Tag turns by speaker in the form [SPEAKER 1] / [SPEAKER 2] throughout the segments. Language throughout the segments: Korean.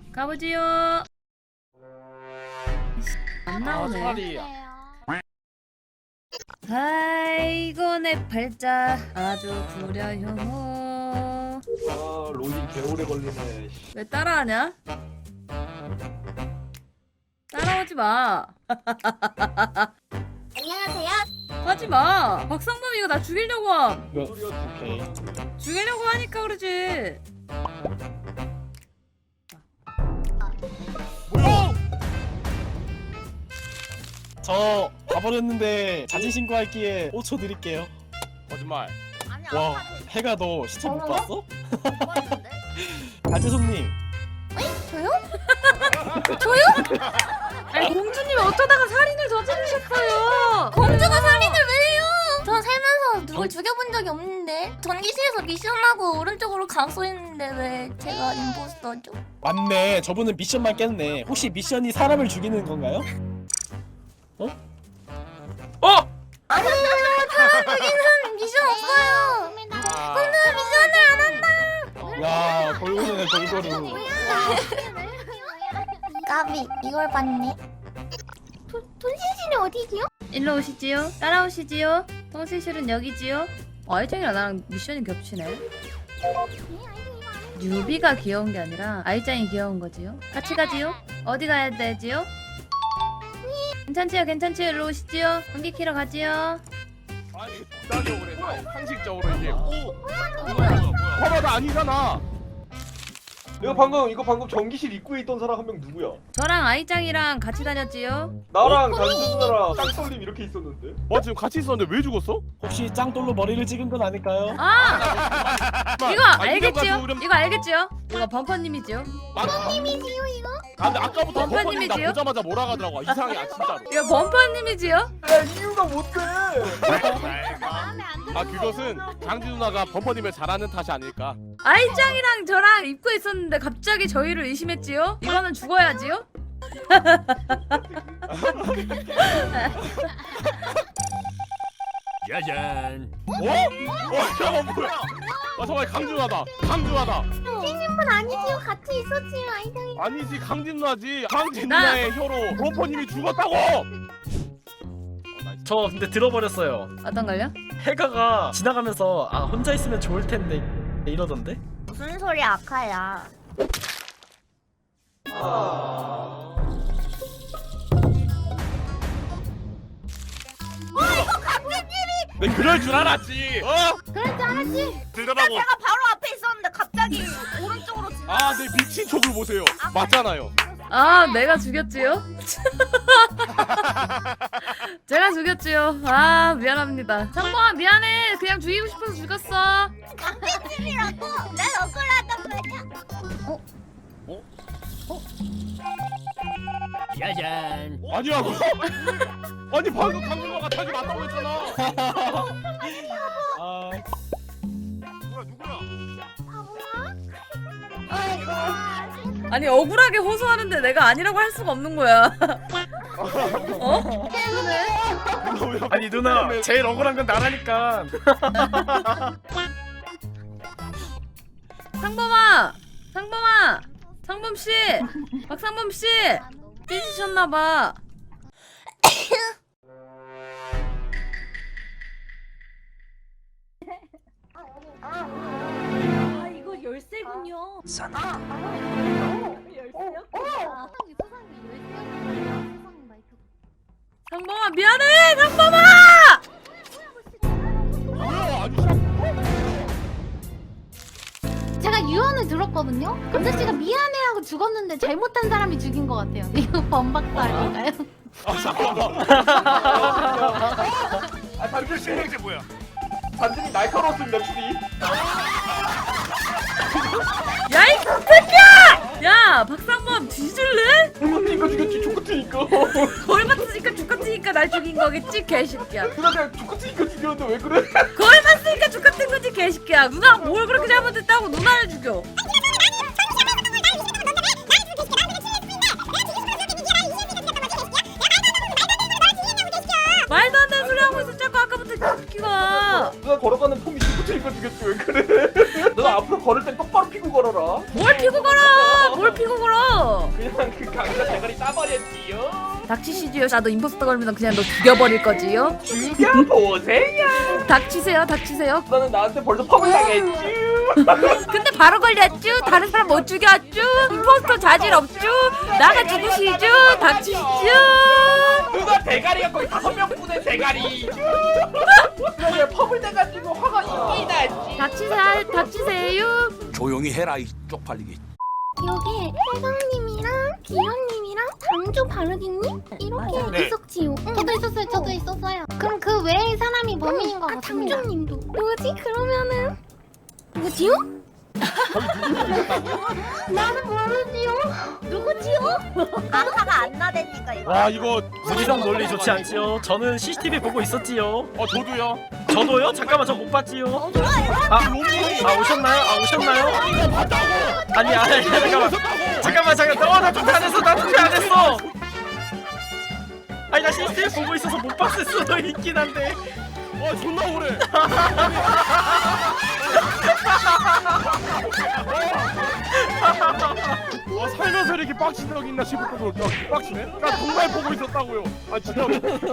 [SPEAKER 1] 가보지요. 안 나오네.
[SPEAKER 2] 차라리
[SPEAKER 1] 아이고 내 팔자 아주 구려요.
[SPEAKER 3] 아 로딩 개오래 걸리네.
[SPEAKER 1] 왜 따라하냐? 따라오지 마.
[SPEAKER 4] 안녕하세요.
[SPEAKER 1] 하지 마. 박상범 이거 나 죽이려고 함.
[SPEAKER 3] 오케이.
[SPEAKER 1] 죽이려고 하니까 그러지.
[SPEAKER 2] 뭐야?
[SPEAKER 5] 저 가버렸는데 자진 신고할기에 5초 드릴게요.
[SPEAKER 2] 거짓말.
[SPEAKER 4] 아니
[SPEAKER 5] 와,
[SPEAKER 4] 아까
[SPEAKER 5] 해가 너 시청 못 봤어?
[SPEAKER 4] 뭐 했는데?
[SPEAKER 5] 가재손님,
[SPEAKER 4] 저요?
[SPEAKER 1] 아니 공주님이 어쩌다가 살인을 저지르셨어요.
[SPEAKER 4] 공주가 살인을 왜 해요? 전 살면서 누굴 죽여본 적이 없는데 전기실에서 미션하고 오른쪽으로 각소했는데 왜 제가 임포스터죠?
[SPEAKER 5] 맞네. 저분은 미션만 깼네. 혹시 미션이 사람을 죽이는 건가요?
[SPEAKER 4] 아니 사람 죽이는 미션 없어요. 공주 미션을 안 한다.
[SPEAKER 5] 야, 골고루네 골고루.
[SPEAKER 4] 까비 이걸 봤네. 돈신신이 어디지요?
[SPEAKER 1] 일로 오시지요. 따라오시지요. 통실실은 여기지요. 아이짱이랑 나랑 미션이 겹치네. 뉴비가 귀여운 게 아니라 아이짱이 귀여운 거지요. 같이 가지요. 어디 가야 되지요? 괜찮지요, 괜찮지요. 일로 오시지요. 전기 키러 가지요.
[SPEAKER 2] 아니 나도 그래. 상식적으로 이게. 봐봐 나 아니잖아.
[SPEAKER 3] 이거 방금 전기실 입구에 있던 사람 한 명 누구야?
[SPEAKER 1] 저랑 아이짱이랑 같이 다녔지요.
[SPEAKER 3] 나랑 단순누나랑 짱sol님 이렇게 있었는데?
[SPEAKER 2] 지금 같이 있었는데 왜 죽었어?
[SPEAKER 5] 혹시 짱돌로 머리를 찍은 건 아닐까요?
[SPEAKER 1] 아, 이거 알겠지요? 이거 알겠지요? 이거 범퍼님이지요?
[SPEAKER 4] 님이지요 이거?
[SPEAKER 2] 아 근데 아까부터 범퍼님 나
[SPEAKER 1] 범퍼님이지요?
[SPEAKER 2] 보자마자 뭐라 하더라고. 이상해 진짜로.
[SPEAKER 1] 이거 범퍼님이지요?
[SPEAKER 3] 야 이유가 뭔데?
[SPEAKER 2] 아 그것은 장지 누나가 범퍼님을 잘하는 탓이 아닐까.
[SPEAKER 1] 아이짱이랑 저랑 입고 있었는데 갑자기 저희를 의심했지요? 이거는 죽어야지요?
[SPEAKER 2] 짜잔. 잠깐만 뭐야? 정말 강준하다. 강준하다.
[SPEAKER 4] 신분 아니지요? 같이 있었지요 아이들이.
[SPEAKER 2] 아니지 강진 누나지. 강진
[SPEAKER 1] 나-
[SPEAKER 2] 누나의 혀로 범퍼님이 죽었다고.
[SPEAKER 5] 저 근데 들어버렸어요.
[SPEAKER 1] 어떤 걸요?
[SPEAKER 5] 해가가 지나가면서 아 혼자 있으면 좋을 텐데 이러던데?
[SPEAKER 4] 무슨 소리 아카야?
[SPEAKER 2] 내 그럴 줄 알았지.
[SPEAKER 4] 그럴 줄 알았지?
[SPEAKER 2] 들더라고.
[SPEAKER 4] 제가 바로 앞에 있었는데 갑자기 오른쪽으로 지나.
[SPEAKER 2] 아, 내 미친 척을 보세요. 맞잖아요.
[SPEAKER 1] 아, 내가 죽였지요? 제가 죽였지요. 아, 미안합니다. 상범아, 미안해. 그냥 죽이고 싶어서 죽였어.
[SPEAKER 4] 강진님이라고? 난 억울하단 말이야.
[SPEAKER 5] 짜잔.
[SPEAKER 2] 아니야. 아니 방금 강준호가 자기 맞다고 했잖아.
[SPEAKER 5] 아,
[SPEAKER 2] 누구야?
[SPEAKER 4] 아이고.
[SPEAKER 1] 아니, 억울하게 호소하는데 내가 아니라고 할 수가 없는 거야. 어?
[SPEAKER 5] 아니 누나 제일 억울한 건 나라니까.
[SPEAKER 1] 상범아! 상범아! 상범씨! 박상범씨! 삐지셨나봐.
[SPEAKER 4] 아 이거 열쇠군요. 열쇠요?
[SPEAKER 1] 상범아, 미안해! 상범아!
[SPEAKER 2] 뭐야? 아니
[SPEAKER 6] 제가 유언을 들었거든요? 감자씨가 미안해하고 죽었는데 잘못한 사람이 죽인 것 같아요. 이거 범박도 아닐까요?
[SPEAKER 2] 잠깐만.
[SPEAKER 3] 아 단준씨
[SPEAKER 2] 이게 뭐야?
[SPEAKER 3] 단준이 날카로웠습니다 추리.
[SPEAKER 1] 야, 이 새끼야! 야, 박상범 뒤질래?
[SPEAKER 3] 얼마니까 죽였지 족같으니까.
[SPEAKER 1] 거울 맞으니까 죽같으니까 날 죽인 거겠지, 개새끼야.
[SPEAKER 3] 누나 그냥 족같으니까 죽였는데 왜 그래?
[SPEAKER 1] 거울 맞으니까 죽같은 거지, 개새끼야. 누나가 뭘 그렇게 잘못했다고 누나를 죽여. 말도 안 되는 소리 하고 있어, 자꾸 아까부터 이 새끼가.
[SPEAKER 3] 누나 걸어가는 폼이 족같으니까 죽였지 왜 그래? 누나 앞으로 걸을 땐 똑바로 피고 걸어라.
[SPEAKER 1] 뭘 피고 걸어? 뭘 피고 걸어?
[SPEAKER 3] 그냥 그 강자 대가리 따버렸지요.
[SPEAKER 1] 닥치시지요. 나도 임포스터 걸면 그냥 너 죽여버릴 거지요.
[SPEAKER 3] 죽여보세요.
[SPEAKER 1] 닥치세요, 닥치세요.
[SPEAKER 3] 너는 나한테 벌써 펌을 당했지.
[SPEAKER 1] 근데 바로 걸렸쥬. 다른 사람 못 죽였쥬. 임포스터 자질 없쥬. 나가 죽으시쥬. 닥치시쥬.
[SPEAKER 3] 누가 대가리가 거의 5명분의 대가리. 그래 펌을 대가지고 화가 있긴 나지.
[SPEAKER 1] 닥치세요, 닥치세요.
[SPEAKER 7] 조용히 해라 이 쪽팔리기.
[SPEAKER 4] 여기 혜성님이랑 기현님이랑 장주 바르기님 이렇게
[SPEAKER 7] 네.
[SPEAKER 4] 있었지요.
[SPEAKER 6] 저도 있었어요. 저도 있었어요. 그럼 그 외의 사람이 범인인 것 같습니다.
[SPEAKER 4] 장주님도 누구지? 그러면은 누구지요?
[SPEAKER 6] 나는 모르지요.
[SPEAKER 4] 누구지요? 아사가 안 나대니까 이거.
[SPEAKER 2] 와 이거
[SPEAKER 5] 무리성 논리 좋지 않지요? 저는 CCTV 보고 있었지요.
[SPEAKER 2] 저도요.
[SPEAKER 5] 저도요? 잠깐만 저 못 봤지요.
[SPEAKER 2] 롬이
[SPEAKER 5] 아 오셨나요? 아 오셨나요? 아니 잠깐만 나 투표 안 했어. 나 투표 안 했어. 아니 나 CCTV 보고 있어서 못 봤을 수도 있긴 한데.
[SPEAKER 2] 존나 오래. 살면서 이렇게 빡친 적 있나 싶을 정도로 빡치네? 나 정말 보고 있었다고요. 아 진짜.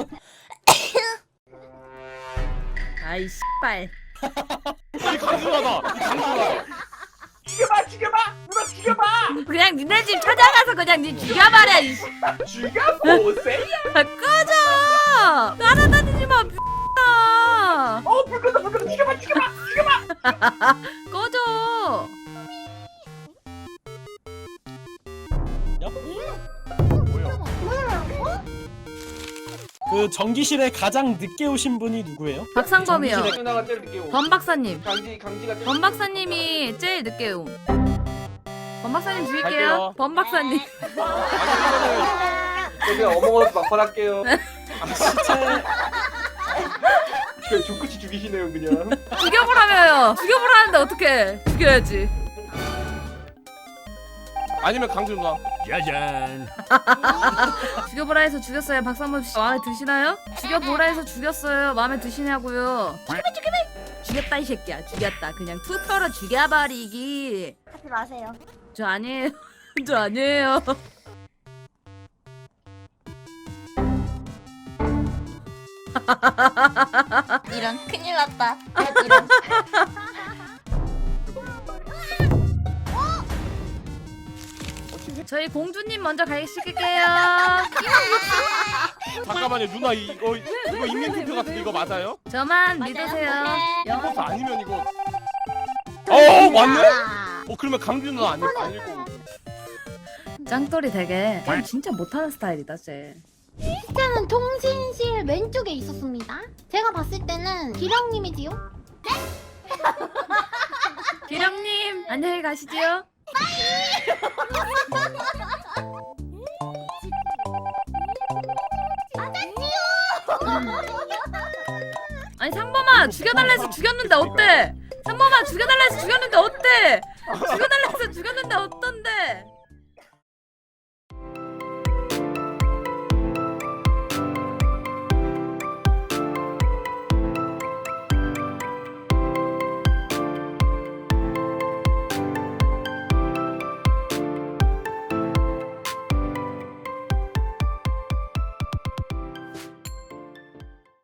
[SPEAKER 1] 아이 씨발.
[SPEAKER 2] 이 강준하다. 이 강준하다.
[SPEAKER 3] 죽여봐. 누나 죽여봐.
[SPEAKER 1] 그냥 니네 집 찾아가서 그냥 니 죽여버려. 이 씨.
[SPEAKER 3] 죽여보세요.
[SPEAKER 1] 꺼져. 따라다니지 마. X야.
[SPEAKER 3] 불 끄다. 죽여봐.
[SPEAKER 1] 꺼져.
[SPEAKER 5] 그 전기실에 가장 늦게 오신 분이 누구예요?
[SPEAKER 1] 박상범이요.
[SPEAKER 3] 누나가 제일 늦게 오.
[SPEAKER 1] 범 박사님.
[SPEAKER 3] 강지가 제일
[SPEAKER 1] 범 박사님이 제일 늦게 옴. 범 박사님
[SPEAKER 2] 갈게요.
[SPEAKER 1] 죽일게요. 범 박사님.
[SPEAKER 3] 그냥 어머어서 막판할게요.
[SPEAKER 5] 진짜
[SPEAKER 3] 그냥 죽끝이 죽이시네요 그냥.
[SPEAKER 1] 죽여보라며요. 죽여보라는데 어떡해. 죽여야지.
[SPEAKER 2] 아니면 강준 누나.
[SPEAKER 7] 짜잔.
[SPEAKER 1] 죽여보라 해서 죽였어요. 박상범 씨 마음에 드시나요? 죽여보라 해서 죽였어요. 마음에 드시냐고요. 죽였다 이 새끼야. 죽였다. 그냥 투표로 죽여버리기.
[SPEAKER 4] 하지 마세요.
[SPEAKER 1] 저 아니에요. 저 아니에요.
[SPEAKER 4] 이런 큰일 났다. 이런.
[SPEAKER 1] 저희 공주님 먼저 가시킬게요.
[SPEAKER 2] 잠깐만요 누나 이거 인민 투표 같은데 이거 맞아요?
[SPEAKER 1] 저만 믿으세요.
[SPEAKER 2] 이거 아니면 이거. 맞네? 그러면 강준 누나 아닐 거고.
[SPEAKER 1] 짱돌이 되게 게임 진짜 못하는 스타일이다 쟤.
[SPEAKER 6] 시체는 통신실 왼쪽에 있었습니다. 제가 봤을 때는 기령님이지요.
[SPEAKER 1] 기령님 안녕히 가시지요. 아니 상범아 죽여달라 해서 죽였는데 어때? 상범아 죽여달라 해서 죽였는데 어때? 죽여달라 해서 죽였는데 어떤데?